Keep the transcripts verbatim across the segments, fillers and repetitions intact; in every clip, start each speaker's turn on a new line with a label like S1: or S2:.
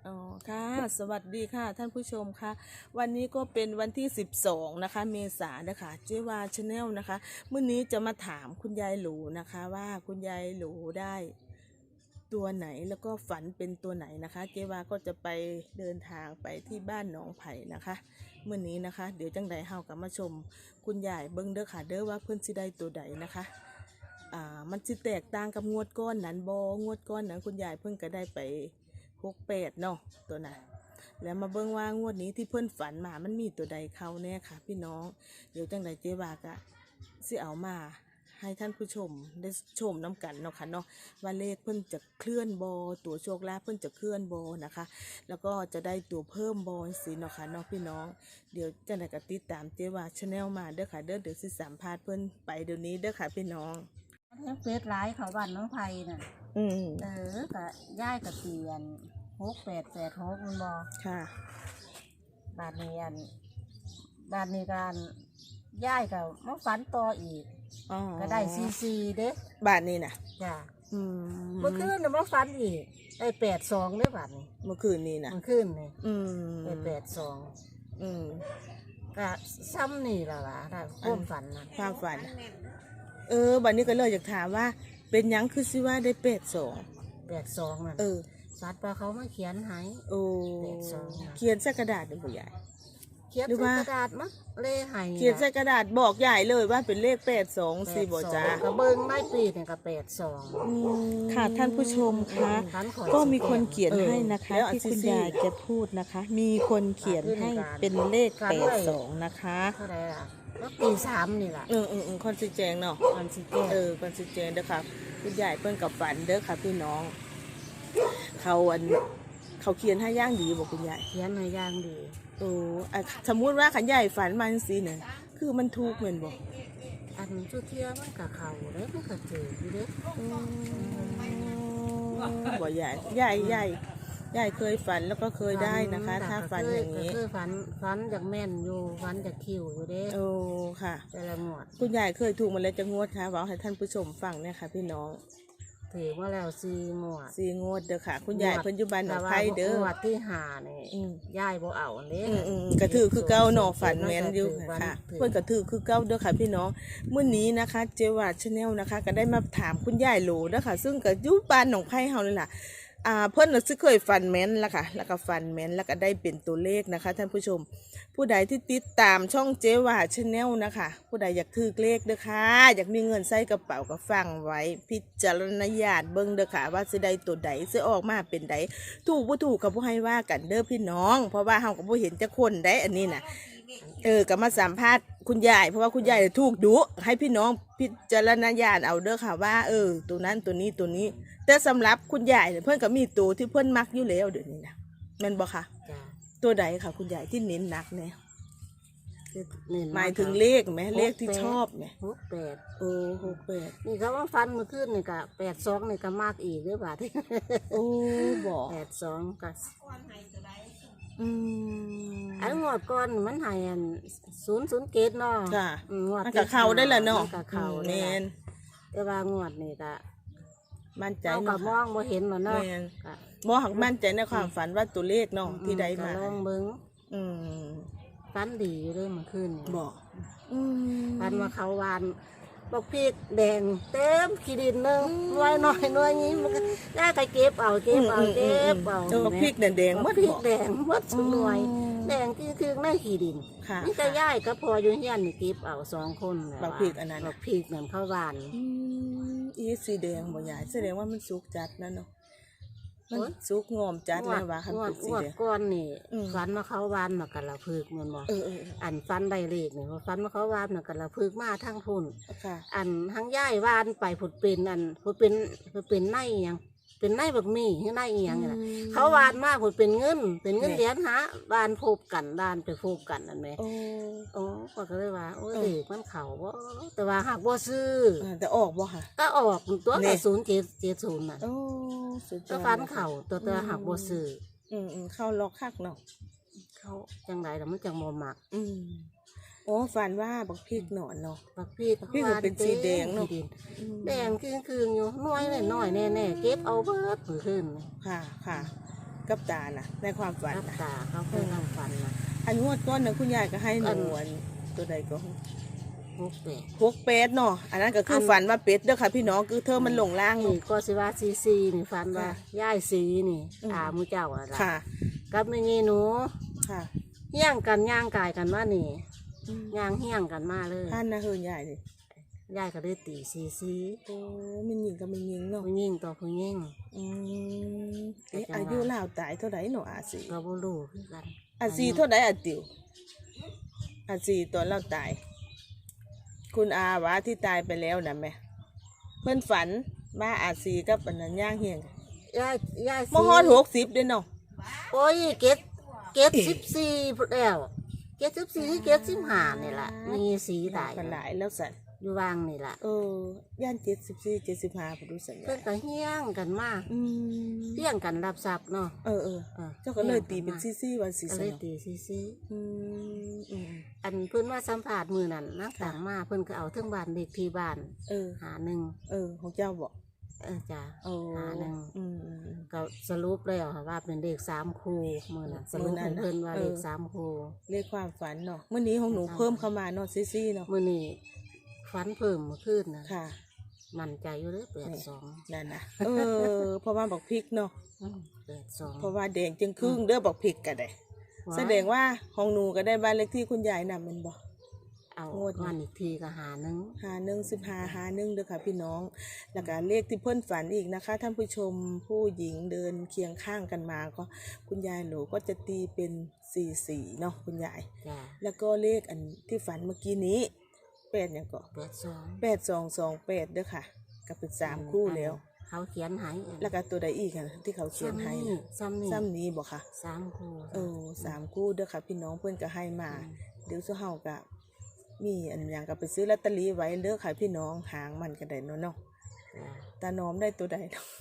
S1: อ๋อค่ะสวัสดีค่ะท่านผู้ชมค่ะวันนี้ก็เป็นวันที่สิบสองนะคะเมษายนนะคะเจวาชาแนลนะคะเมื่อนี้จะมาถามคุณยายหลูนะคะว่าคุณยายหลูได้ตัวไหนแล้วก็ฝันเป็นตัวไหนนะคะเจวาก็จะไปเดินทางไปที่บ้านหนองไผ่นะคะเมื่อนี้นะคะเดี๋ยวจังใดเฮากับมาชมคุณยายเบิ้งเด้อค่ะเด้อว่าเพื่อนสิได้ตัวใดนะคะอ่ามันสิแตกต่างกับงวดก้อนนั้นบงวดก้อนนั้นคุณยายเพิ่งก็ได้ไปหกแปดเนาะตัวนั้นแล้วมาเบิ่งว่างวดนี้ที่เพื่อนฝันมามันมีตัวใดเข้าแน่ค่ะพี่น้องเดี๋ยวจังใดเจ๊บากะสิเอามาให้ท่านผู้ชมได้ชมน้ำกันเนาะค่ะเนาะว่าเลขเพื่อนจะเคลื่อนบอตัวโชคลาภเพื่อนจะเคลื่อนบอนะคะแล้วก็จะได้ตัวเพิ่มบอสิเนาะค่ะเนาะพี่น้องเดี๋ยวจังใดก็ติดตามเจ๊ว่าชาแนลมาเด้อค่ะเด้อเดี๋ยวสิสัมภาษณ์เพื่อนไปเดี๋ยวนี้เด้อค่ะพี่น้อง
S2: เฟซไลน์เขาบ้านน้องไผ่น่ะ
S1: อืม
S2: เออกะย่ายกะเปลี่ยนหกแปดแปดหกมันบอ
S1: ค่ะ
S2: บาทนี้อันบาทนี้การย่ายกับมาฝันต่ออีกก็ได้ซีซีเด้
S1: บาทนี้น่ะ
S2: จ้ะ
S1: อืม
S2: เมื่อคืนน่ะมาฝันอีกได้แปดสองเด้บาทนี้
S1: เมื่อคืนนี้น่ะ
S2: เมื่อคืนนี่
S1: อืม
S2: ได้แปดสอง
S1: อืม
S2: ก็ซ้ำนี่ละล่ะถ้าความฝันนะ
S1: ความฝันเออบัดนี้ก็เลยอยากถามว่าเป็นยังคือสิว่าได้แปดสอง
S2: แปดสองนั่น
S1: เออ
S2: สัตว์ปลาเขามาเขียนให้
S1: โอ้เขียนใส่กระดาษเป็นผู้ใหญ่
S2: เขียนใส่กระดาษมั้งเล่ให้
S1: เขียนใส่กระดาษบอกใหญ่เลยว่าเป็นเลขแปดสองสี่บ่จ้าก
S2: ระเบิ้งไม่ปีเนี่ยก็แปดสอง
S1: ค่ะท่านผู้ชมคะก็มีคนเขียนให้นะคะที่คุณยายจะพูดนะคะมีคนเขียนให้เป็นเลขแปดสองนะคะ
S2: เท่าไรล่ะก็ปีสามนี่แหละ
S1: เออเออเออคอนซิแจงเนาะ
S2: คอนซิแจง
S1: เออคอนซิแจงเด้อค่ะคุณยายเพิ่นกับฝันเด้อค่ะพี่น้องเขาอันเขาเขียนให้ย่างดีบอกคุณยาย
S2: เขียนให้ย่างดี
S1: โอ้สมมุติว่าขันใหญ่ฝันมันสิเนี่ยคือมันถูกเหมือนบอก
S2: อันชุดเทียมันกับเขาเด้มันกับเจออยู่เด้
S1: บ่ใหญ่ใหญ่ใหญ่ใหญ่เคยฝันแล้วก็เคยได้นะคะถ้าฝันอย่างนี้
S2: เคยฝันฝันจากแม่นอยู่ฝันจากคิวอยู่เด้
S1: โอ้ค่ะ
S2: แต่ละงวด
S1: คุณยายเคยถูกมาแล้วจะงวดค่ะบอกให้ท่านผู้ชมฟังเนี่ยค่ะพี่น้อง
S2: ถือว่าแล้วสี่งวด
S1: สี่งวดเด้อค่ะคุณยายเพิ่นอยู่บ้านหนองไผ่เด้อง
S2: วดที่ห้านี่ยายบ่เอาเด้
S1: กระถือคือเก้าหนอฝันแม่นอยู่ค่ะเพิ่นกระถือคือเก้าเด้อค่ะพี่น้องเมื่อนี้นะคะเจวาชาแนลนะคะก็ได้มาถามคุณยายโหลเด้อค่ะซึ่งก็อยู่บ้านหนองไผ่เฮาเลยล่ะอ่าเพิ่นน่ะสิเคยฟันแม่นแล้วค่ะแล้วก็ฟันแม่นแล้วก็ได้เป็นตัวเลขนะคะท่านผู้ชมผู้ใดที่ติดตามช่องเจวาชาแนลนะคะผู้ใดอยากถือเลขเด้อค่ะอยากมีเงินใส่กระเป๋าก็ฟังไว้พิจารณญาณเบิ่งเด้อค่ะว่าสิได้ตัวใดสิออกมาเป็นใดถูกบ่ถูกก็บ่ให้ว่ากันเด้อพี่น้องเพราะว่าเฮาก็บ่เห็นจักคนได้อันนี้น่ะเออก็มาสัมภาษณ์คุณยายเพราะว่าคุณยายถูกดุให้พี่น้องพิจารณญาณเอาเด้อค่ะว่าเออตัวนั้นตัวนี้ตัวนี้แต่สำหรับคุณยายเพื่อนก็มีตัวที่เพื่อนมักอยู่แล้วเดี๋ยวนี้นะแม่นบ่คะตัวใดค่ะคุณยายที่เน้นหนักเนี่ยหมายถึงเลขไหมเลขที่ชอบไหม
S2: หกแปด
S1: โอ้หกแปด
S2: นี่เขาว่าฟันเมื่อคืนนี่กะแปดสองนี่ก็มากอีกหรือเปล่าที่
S1: โอ้บอก
S2: แปดสองก็
S1: อื
S2: มอันงวดก่อนมันหายอันศูนย์ศูนย์เกตเนาะ
S1: ค่ะงวดกับเขาได้ละเนาะ
S2: กับเขาเน้นแต่ว่างวดนี่ก็
S1: มั่นใจ
S2: เนาะมองบ่เห็นเนาะ
S1: มองหักมั่นใจในความฝันว่าตัวเลขเนาะที่ได้มา
S2: ลองเบิ้ง
S1: อืม
S2: ฝันดีอยู่เลยเมื่อคืน
S1: บอก
S2: ฝันว่าเขาวานบอกพริกแดงเต็มขี้ดินนึงน้อยน้อยน้อยนี้มันก็ได้ไปเก็บเอาเก็บเอาเก็บเอา
S1: บอกพริกแดงแดงมัด
S2: พริกแดงมัดสหน่วยแดงคือคือในขี้ดินนี่ก็ย่ายก็พออยู่เฮียนเก็บเอาสองคน
S1: บอกพริกอันนั้น
S2: บอกพริกเหมือนเขาวาน
S1: อีสีแดงบ่ใหญ่แสดงว่ามันสุกจัดนั่นเนาะมันสุกงอมจัดเลยว่าคันเป็นสีแดง
S2: ก้อนนี่ฟันมาเขาวานมากันละพึกเหมือนบ่อันฟันใบเล็กเนี่ยฟันมาเขาวานมากันละพึกมาทั้งพุ่นอันทั้งย่ายวานไปผุดเป็นอันผุดเป็นผุดเป็นไนยังเป็นไนบักมี่ให้ไนอีหยังน่ะเขาวานมากผุดเป็นเงินเป็นเงินเหรียญฮะวานพบกันด้านไปพบกันนั่นไหมโอ้โอ้ก็เลยว่าโอ้เด็กมันเข่าว่าแต่ว่าหากบ่ซื้อ
S1: แต่ออกบ่ค่ะ
S2: ก็ออกตัวแต่ศูนย์เจ็ดเจ็ดศูนย์น่ะ
S1: โอ้
S2: ก็ฟันเข่าตัวตัวหักบ่ซื้อ
S1: อืมอืมเข้าล็อกคักเนาะ
S2: เขาจังไรแต่มันจังโมหมัก
S1: อืมโอ้ฝันว่าบักพริกหนอนเนาะ
S2: บักพริก
S1: พริกเป็นสีแดงเนาะ
S2: แดงคือคืออยู่น้อยเลยน้อยแน่แน่เก็บเอาเบิดผืนขึ้น
S1: ค่ะค่ะกับตาน่ะในความฝัน
S2: กับ
S1: น่ะ
S2: ตาเขาเคยนั่งฝันนะ
S1: อันงวดก้อนน่ะคุณยายก็ให้ห
S2: อั
S1: นู
S2: น
S1: อันตัวใดก็
S2: หกแปด
S1: พวกเป็ดเนาะอันนั้นก็คือฝันว่าเป็ดเด้อค่ะพี่น้องคือเธอมันหลงล่าง
S2: นี่ก็สิว่าซีซีนี่ฝันว่า
S1: ค่ะ
S2: ย่ายสีนี่
S1: อืม
S2: อามูเจ้าอะล่ะ
S1: ค่ะ
S2: กับไม่งี้หนู
S1: ค่ะ
S2: เฮี้ยงกันย่างกายกันมานี่
S1: อืม
S2: ย่างเฮี้ยงกันมาเลย
S1: ท่านนะเฮือนใหญ่นี่
S2: ย่ายก็เลยตีซีซี
S1: โอ้มันยิงกับมันยิงเนาะ
S2: ผู้ยิ่งต่อผู้ยิ่ง
S1: อืมเอ๊ะ
S2: แต่จังหวะ
S1: อายุลาวตายเท่าไหร่เนาะอาสี
S2: ก็บ่รู้คือกัน
S1: อาสีเท่าไหร่อาติวอาสีตอนเราตาย คุณอาวะที่ตายไปแล้วนะแม่เพื่อนฝันว่าอาสีกับอันนั้นย่างเฮียง
S2: ย่ายย่าย
S1: มฮอดหกสิบเด้อเนาะ
S2: โอ้ยเกตเกตสิบสี่พุ่นแล้วเกตสิบสี่เกตสิบห้านี่ล่ะมีสีตาย
S1: กันหลายแล้วสัน
S2: อยู่วางนี่ล่ะ
S1: เออย่านเจ็ดสิบสี่เจ็ดสิบห้าพอดูสัญญา
S2: เพิ่นก็เฮี้ยงกันมา
S1: อืม
S2: เฮี้ยงกันรับทรัพย์เนาะ
S1: เออเออ
S2: ออ
S1: เจ้าก็เลยตีเป็นซี่ซี่วันซี่
S2: ก็
S1: ส
S2: เลย
S1: น
S2: ตีซีซี
S1: อืมอืม
S2: อันเพิ่นว่าสัมภาษณ์มือนั่นนัก
S1: ค่ะ
S2: ต่างมาเพิ่นก็เอาเทั้งบ้านเด็กที่บ้าน
S1: เออ
S2: หาหนึ่ง
S1: เออ ของเจ้าบอก
S2: เออจ้ะ
S1: โอ้
S2: หาหนึ่ง
S1: อืมอืมอืม
S2: ก็สรุปแล้วค่ะว่าเป็นเด็กสามครูมือนั่นสรุป
S1: มื้อนั้
S2: ให้
S1: นน่ะ
S2: เพิ่นว่า
S1: เออ
S2: เด็กสามครู
S1: เรียกความฝันเนาะเมื่อนี้ของหนูเพิ่มเข้ามาเนาะซี่ซี่เนาะ
S2: มื้อนี้ฟันเพิ่มเมื่อคืนนะ
S1: ค่ะ
S2: มั่นใจอยู่เด้อแปดสอง
S1: นั่นนะเออเพราะว่าบอกพริกเนาะ
S2: แปดสอง
S1: เพราะว่าแดงจึงครึ่งเด้อบอกพริกก็ได้แสดงว่าของหนูก็ได้บ้านเลขที่คุณยายนำมันบอก
S2: เอา
S1: งวดนี้
S2: วันอีกทีก็หาหนึ่ง
S1: หาหนึ่งสิบหาหาหนึ่งเด้อค่ะพี่น้อง แล้วก็เลขที่เพื่อนฝันอีกนะคะ ท่านผู้ชมผู้หญิงเดินเคียงข้างกันมาก็คุณยายหนูก็จะตีเป็นสี่สี่เนาะคุณยาย
S2: จ้ะ
S1: แล้วก็เลขอันที่ฝันเมื่อกี้นี้แปดอย่างก็
S2: แปดสอง
S1: แปดสองสองแปดเด้อค่ะก็เป็นสามคู่แล้ว
S2: เขาเขียนให้
S1: แล้วก็ตัวใดอีกค่ะที่เขาเขียนให้นะ
S2: ซ้ำนี่
S1: ซ้ำนี้บอกค่ะ
S2: สามครู
S1: เออสามคู่เด้อค่ะ พี่น้องเพื่อนก็ให้มา เดี๋ยวเจ้าเฮาก็มีอันอย่างก็ไปซื้อลอตเตอรี่ไว้เด้อค่ะพี่น้องหางมันก็ได้เนาะเนาะ
S2: จ้ะ
S1: ตาหนอมได้ตัวใดเนาะ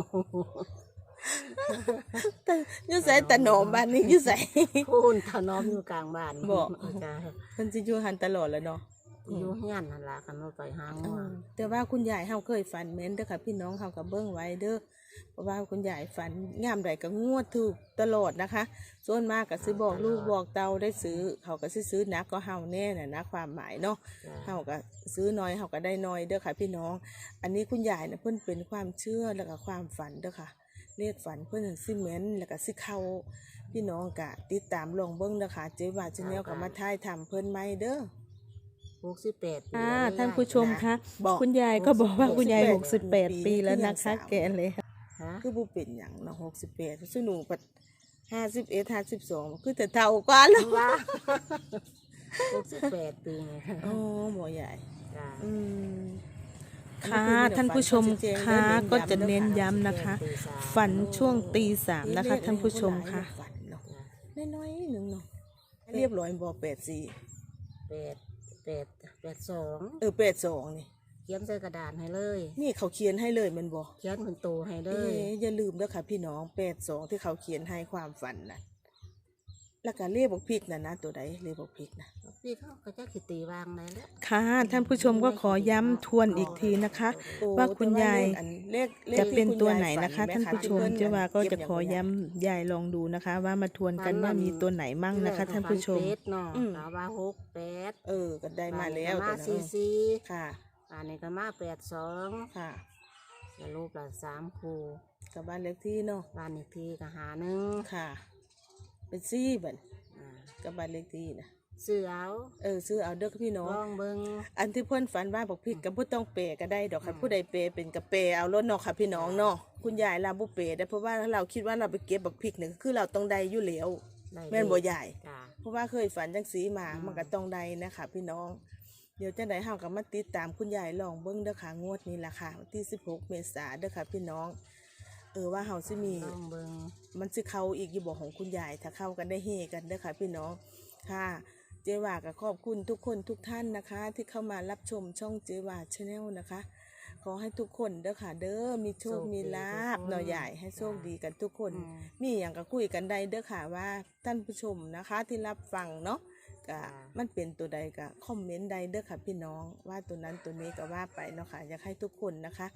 S1: ตาอยู่ใส่ตาหนอมบ้านนี้อยู่ใส่
S2: คุณถนอมอยู่กลางบ้าน
S1: บอก
S2: จ้ะ
S1: เพิ่นสิอยู่หันตลอดแล้วเนาะ
S2: อยู่เฮียนนั่นล่ะกันว่าไปหา
S1: เอ
S2: งัว
S1: อแต่ว่าคุณยายเฮาเคยฝันแม่นเด้อค่ะพี่น้องเฮาก็เบิ่งไว้เด้อเพราะว่าคุณยายฝันงามใดก็งวดถูกตลอดนะคะ ส่วนมากก็สิบอกลูกบอกเตาได้ซื้อ เขาก็สิซื้อหนักก็เฮาแน่น่ะนะความหมายเนาะ
S2: จ้ะ
S1: เฮาก็ซื้อน้อยเฮาก็ได้น้อยเด้อค่ะพี่น้อง อันนี้คุณยายน่ะเพิ่นเป็นความเชื่อแล้วก็ความฝันเด้อค่ะเลขฝันเพิ่นสิแม่นแล้วก็สิเข้าพี่น้องก็ติดตามลองเบิ่งเด้อค่ะเจ๊ว่าชาแนลก็มาถ่ายทำเพิ่นใหม่เด้อ
S2: หกสิบแปดปี
S3: ค่ะ
S2: แล้ว
S3: ท่านผู้ชมคะ
S1: บอก
S3: คุณยายก็บอกว่าคุณยาย
S1: ห
S3: ห
S1: ก
S3: ก
S1: สิ
S3: สิ
S1: บบ แป
S3: แป
S1: ด
S3: ด
S1: ปี
S3: ปีแล้ว
S1: ยั
S3: นะ
S1: ง
S3: คะ
S1: สาว
S3: แกเลย
S2: ฮะ
S1: คือบ่เป็นหยังเนาะหกสิบแปดซึ่งหนูปัดห้าสิบเอ็ดห้าสิบสองคือแต่เท่ากว่าแล้ว
S2: ว่าหกสิบแปดปีไง
S1: อ๋อหมอใหญ่
S2: จ้ะ
S1: อืม
S3: ค่ะท่านผู้ชมค่ะก็จะเน้นย้ำนะคะ ฝันช่วงตีสามนะคะ ท่านผู้ชมค่ะ
S1: ฝันเนาะ
S2: จ้ะ
S1: น้อยๆหนึ่งเนาะเรียบร้อยบ่แปดสี่
S2: แปดแปดแปดสอง
S1: เออแปดสองนี่
S2: เขียนใส่กระดาษให้เลย
S1: นี่เขาเขียนให้เลยแมันบ่
S2: เขียนเป็นโตให้เล
S1: เอ้
S2: ย
S1: อย่าลืมเด้อค่ะพี่น้องแปดสองที่เขาเขียนให้ความฝันน่ะแล้วก็เลขบอกพริกน่ะนะตัวใดเลขบอกพริกน่ะ
S2: พี่เขาก็จะขีตีวางไหนแล้ว
S3: ค่ะท่านผู้ชมก็ขอย้ำทวนอีกทีนะคะ ว่าคุณยาย
S1: เลขเลข
S3: จะเป็น
S1: ที่คุณ
S3: ตัว
S1: ยาย
S3: ไหนนะคะ
S1: ฝั
S3: ท่าน
S1: ไห
S3: ผู้ชม
S1: ที่
S3: เจ้าว่าก็จะขอ
S1: เบ
S3: ย้ำยายลองดูนะคะ ว่ามาทวนกันว่ามีตัวไหนมั่งนะคะ ท่านผู้ชม
S2: เฟเนาะ
S1: อืม
S2: กาว่าหกแปด
S1: เออก็ได้มาแล้ว
S2: มา
S1: ตัวนั้น
S2: สี่สี่
S1: ค่ะ
S2: อันนี้ก็มาแปดสอง
S1: ค่ะ
S2: สรุปละสามครู
S1: กับบ้านเลขที่เนาะ
S2: บ้านอีกทีก็หาหนึ่ง
S1: ค่ะ เป็นซี่บัน
S2: อ่า
S1: กับบ้านเลขที่นะ
S2: ซื้อเอา
S1: เออซื้อเอาเด้อพี่น้อง
S2: ลองเบิ่ง
S1: อันที่เพื่อนฝันว่าบอกพริกกับผู้ต้องเปย์ก็ได้ดอกค่ะผู้ใดเปย์เป็นกับเปย์เอารถเนาะค่ะพี่น้องเนาะคุณยายลาบุเปย์ได้เพราะว่าเราคิดว่าเราไปเก็บบักพริกเนี่ยคือเราต้องได้อยู่แล้ว
S2: ได้
S1: แม่นบ่ใหญ่
S2: จ้า
S1: เพราะว่าเคยฝันจังสีมา
S2: อืม
S1: มันก็ต้องได้นะคะพี่น้อง เดี๋ยวจังไดเฮาก็มาติดตามคุณยายลองเบิ่งเด้อค่ะงวดนี้ล่ะค่ะวันที่สิบหกเมษายนเด้อค่ะพี่น้อง เออว่าเฮาสิมี
S2: ลองเบิ่ง
S1: มันสิเข้าอีกอยู่บ่ของคุณยายถ้าเข้ากันได้เฮกันเด้อค่ะพี่น้องค่ะเจว่าก็ขอบคุณทุกคนทุกท่านนะคะ ที่เข้ามารับชมช่องเจว่าชาแนลนะคะ ขอให้ทุกคนเด้อค่ะ เด้อมีโชคมีลาบหน่อยใหญ่ให้โชคดีกันทุกคน
S2: อืม
S1: มีอย่างก็คุยกันได้เด้อค่ะว่าท่านผู้ชมนะคะที่รับฟังเนาะก็
S2: อ่า
S1: มันเป็นตัวใดก็คอมเมนต์ใดเด้อค่ะพี่น้องว่าตัวนั้นตัวนี้ก็ว่าไปเนาะค่ะอยากให้ทุกคนนะคะ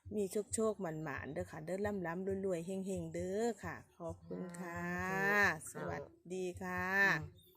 S1: มีโชคโชคหมันหมานๆเด้อค่ะเด้อล่ำล้ำรวยๆเฮงๆเด้อค่ะขอบคุณค่ะ สวัสดีค่ะ
S2: อืม